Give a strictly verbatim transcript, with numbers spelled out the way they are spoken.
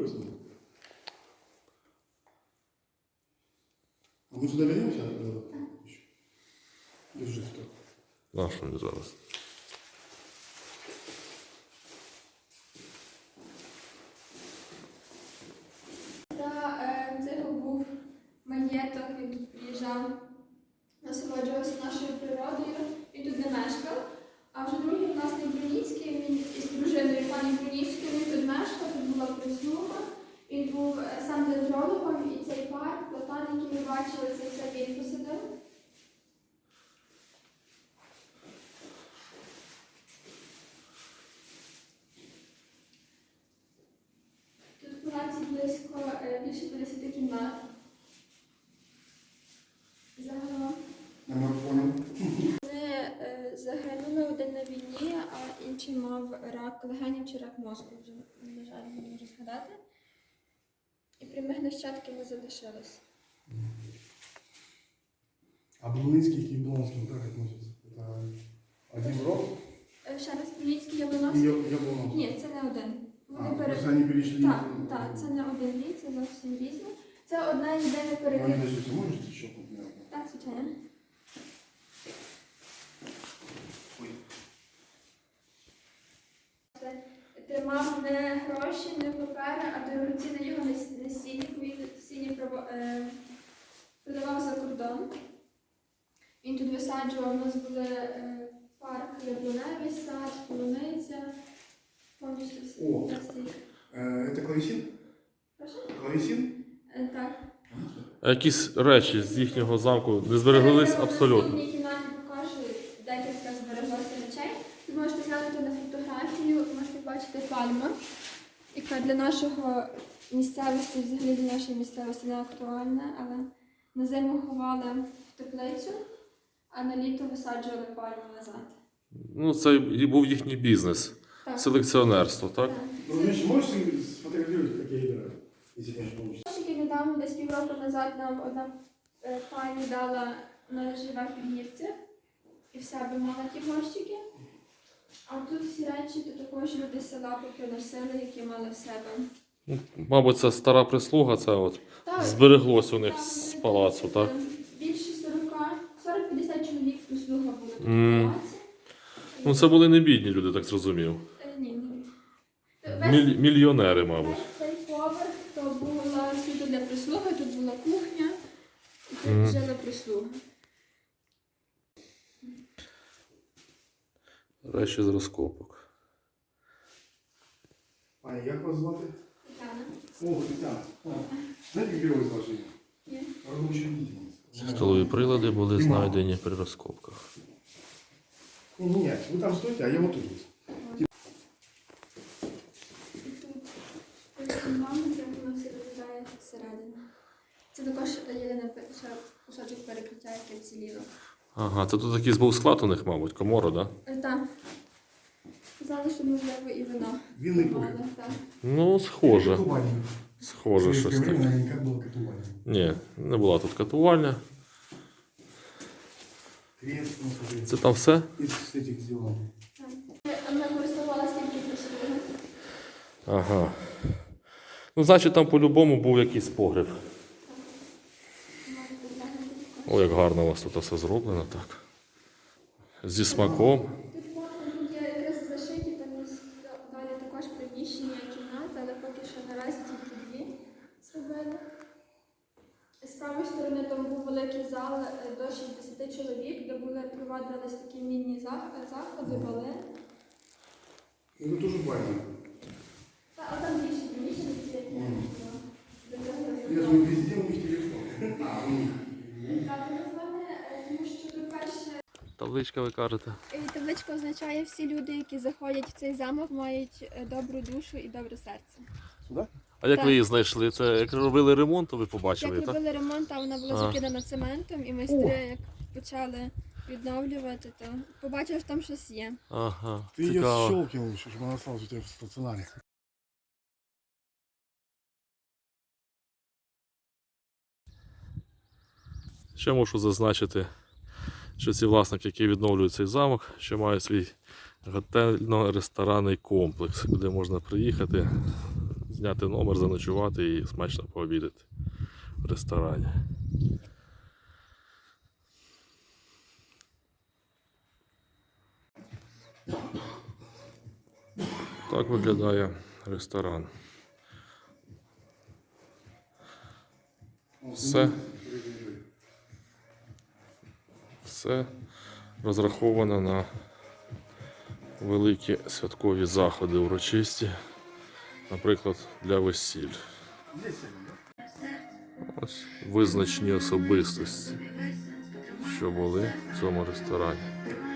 возьму. А мы сюда вернемся? Держи что. На що мені зараз? Це був маєток, він тут приїжджав, насолоджувався нашою природою, він тут не мешкав. А вже другий власник Бруніцький, він із дружиною пані Бруніцькою, він тут мешкав, тут була прислуга. Він був сам дендрологом, і цей парк, платан, який ми бачили, це все він посадив. Тут в палаці близько більше п'ятдесят кімнат. Загалом. Я понял. Вони загинули один на війні, а інший мав рак легенів чи рак мозку, вже, на жаль, не можу згадати. І прямих нащадків не залишилось. А Бруницкий к Яблонским как относятся? Это один род? Ще раз, Бруніцький, И Яблоновський? Яблонов? Ні, це не один. А, Вони пере... просто они перешли? Так, так, це не один рід, це зовсім різне. Це одна єдина Ваня, перекид. подождите, можете щелкнуть меня? Так, звичайно. Тримав не гроші, не папери, а дорогоцінне його насіння, він насіння продавав за кордон. Він тут висаджував, у нас були е, парк, яблуневий сад, полуниця, повністю всі. О, э, это клавесин? Прошу? Клавесин? Е, так. А якісь речі з їхнього замку не збереглись абсолютно. В наступній кімнаті покажу декілька збереглося речей. Ви можете глянути на фотографію, можете бачити пальму, яка для нашого місцевості, взагалі для нашої місцевості не актуальна, але на зиму ховали в теплицю, а на літо висаджували пальму назад. Ну, це і був їхній бізнес. Так. Селекціонерство, так? Так. Ну, Миша, можешь сфотографировать, как я играю? Если, конечно, получится. Трошки недавно, десь півроку назад, нам одна е, пані дала, вона живе в Підгірці, і в себе мала ті горщики. А тут всі речі, то також люди з села поприносили, які мали в себе. Ну, мабуть, це стара прислуга, це от Так, збереглось у них так, з вони палацу, тут, так? е, Більше сорок-п'ятдесят чоловік прислуга було тут Мгм. в палаці. Ну, це були не бідні люди, так зрозумів. Е, Ні, ні. Міль- мільйонери, мабуть. Цей поверх, то була суто для прислуги, тут була кухня, і тут Мгм. жила прислуга. Речі з розкопок. А як вас звати? Тетяна. О, Тетяна. О, знаєте, яке його зложення? Ні. Робоче відділення. Столові прилади були знайдені при розкопках. Ні, ні, ні, ви там стойте, а я вот тут. І тут мама, де воно все виглядає зсередини. Це також єдине ще кусочок перекриття, яке вціліло. Ага, це тут якийсь був склад у них, мабуть, комора, так? Да? Е, Так. Казали, що можливо і вино. Винний мали, погреб. так. Ну, схоже. Катування. Схоже, В щось советское время, таке. наверняка, было катування. Ні, не була тут катувальня. Крест, ну, смотри. Це там все? Из этих сделано. Так. Ми користувалися тільки прислугою. Ага. Ну, значить, там по-любому був якийсь погреб. О, як гарно у вас тут все зроблено, так. Зі смаком. Тут можна тут є якраз зашиті, там є далі також приміщення, кімната, але поки що наразі тільки дві зробили. З правої сторони там був великий зал е, до шістдесят чоловік, де були проводились такі мінні зах- заходи, бали. Ну, это тоже баня. Та, а там більше приміщення, ці як Мгм. до цього Я зробили. думаю, везде у них телефон. А, у них. Так, телефони, е, тому що, по-перше, Табличка, ви кажете. е, табличка означає, всі люди, які заходять в цей замок, мають е, добру душу і добре серце. Сюда? А як Так. ви її знайшли? Це як робили ремонт, то ви побачили, Як так? робили ремонт, а вона була А. закидана цементом, і майстри, як почали відновлювати, то побачили, що там щось є. Ага, Ты ее цікаво. щелкнул еще, чтобы она осталась у тебя в стационаре. Ще можу зазначити, що ці власники, які відновлюють цей замок, ще мають свій готельно-ресторанний комплекс, куди можна приїхати, зняти номер, заночувати і смачно пообідати в ресторані. Так виглядає ресторан. Все. Все розраховано на великі святкові заходи урочисті, наприклад, для весіль. Ось визначні особистості, що були в цьому ресторані.